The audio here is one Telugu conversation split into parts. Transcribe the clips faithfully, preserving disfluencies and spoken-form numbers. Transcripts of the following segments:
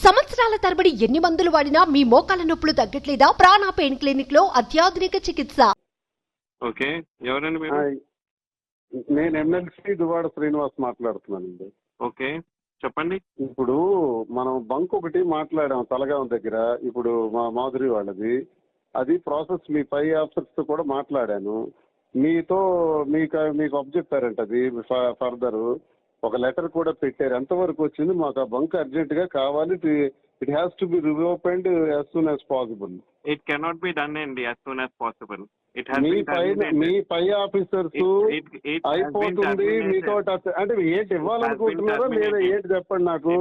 సంవత్సరాల తరబడి ఎన్ని మందులు వాడినా మీ మోకాల నొప్పులు తగ్గట్లేదా? ప్రాణ పెయిన్ క్లినిక్ లో అత్యాధునిక చికిత్స. ఓకే, ఎవరండి మీరు? హాయ్, నేను ఎమ్మెల్సీ దువాడ శ్రీనివాస్ మాట్లాడుతున్నానండి. ఓకే, చెప్పండి. ఇప్పుడు మనం బంక్ ఒకటి మాట్లాడాం తలగాం దగ్గర, ఇప్పుడు మా మాధురి వాళ్ళది. అది ప్రాసెస్ మీ పై ఆఫీసర్స్ తో కూడా మాట్లాడాను. మీతో మీకు మీకు అబ్జెక్టారంట, అది ఫర్దర్ ఒక లెటర్ కూడా పెట్టారు. ఎంతవరకు వచ్చింది? మాకు ఆ బంక్ అర్జెంట్ గా కావాలి. It has to be reopened as soon as possible. It cannot be done అండి యాజ్ సూన్ యాజ్ పాసిబుల్. మీ పై మీ పై ఆఫీసర్స్ అయిపోతుంది మీతో అంటే ఏంటి ఇవ్వాలనుకుంటున్నారో లేదా ఏంటి చెప్పండి నాకు.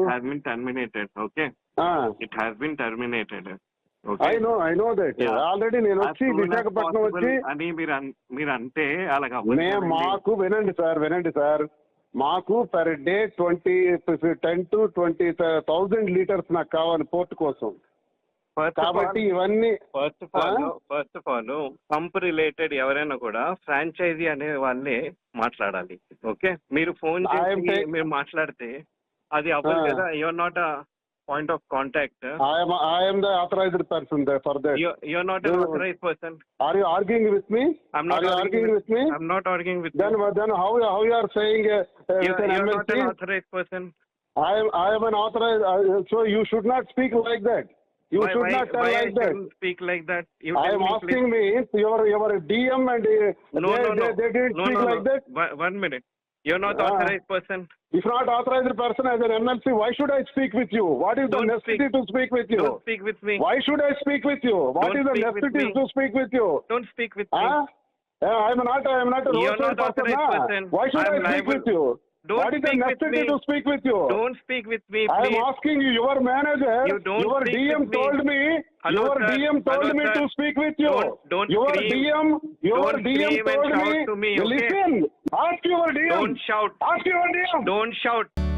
Okay, it has been terminated. I know I know that already. నేను వచ్చి విశాఖపట్నం వచ్చి అని మీరు మీరు అంటే అలాగా మాకు వినండి సార్ వినండి సార్ మాకు per day twenty ten to twenty thousand litres నాకు కావాలి పోర్ట్ కోసం. కాబట్టి ఇవన్నీ first of all first of all pump related ఎవరైనా కూడా ఫ్రాంచైజీ అనే వాళ్ళే మాట్లాడాలి. ఓకే, మీరు ఫోన్ చేసి మీరు మాట్లాడితే అది అవ్వదు కదా. You're not a point of contact. I am the authorized person there for that. You you are not an authorized person. Are you arguing with me? I'm not are you arguing with, with me. I'm not arguing with then, you. Then how how you are saying uh, you are not an authorized person. I am I am an authorized. Uh, so you should not speak like that. You why, should why, not tell why like I that. Speak like that. You I am me, asking please. me your your D M and uh, no, they, no, no. they, they didn't no, speak no, like no. that. One, one minute. You're not uh, authorized person. If not authorized person as an M L C, why should I speak with you? What is Don't the necessity speak. to speak with you? Don't speak with me. Why should I speak with you? What Don't is the necessity to speak with you? Don't speak with huh? me. Yeah, I'm not. I'm not a You're not person. authorized Nah. person. Why should I'm I speak liable. with you? Don't what is the speak with necessity me. to speak with you? Don't speak with me, I please. am asking you. Your manager, You don't your speak D M with me. told me. Hello, your sir. D M told Hello, me sir. to speak with you. Don't, don't your scream. D M, your Don't D M scream and told shout me. to me, okay? Listen. Ask your D M. Don't shout. Ask your D M. Don't shout.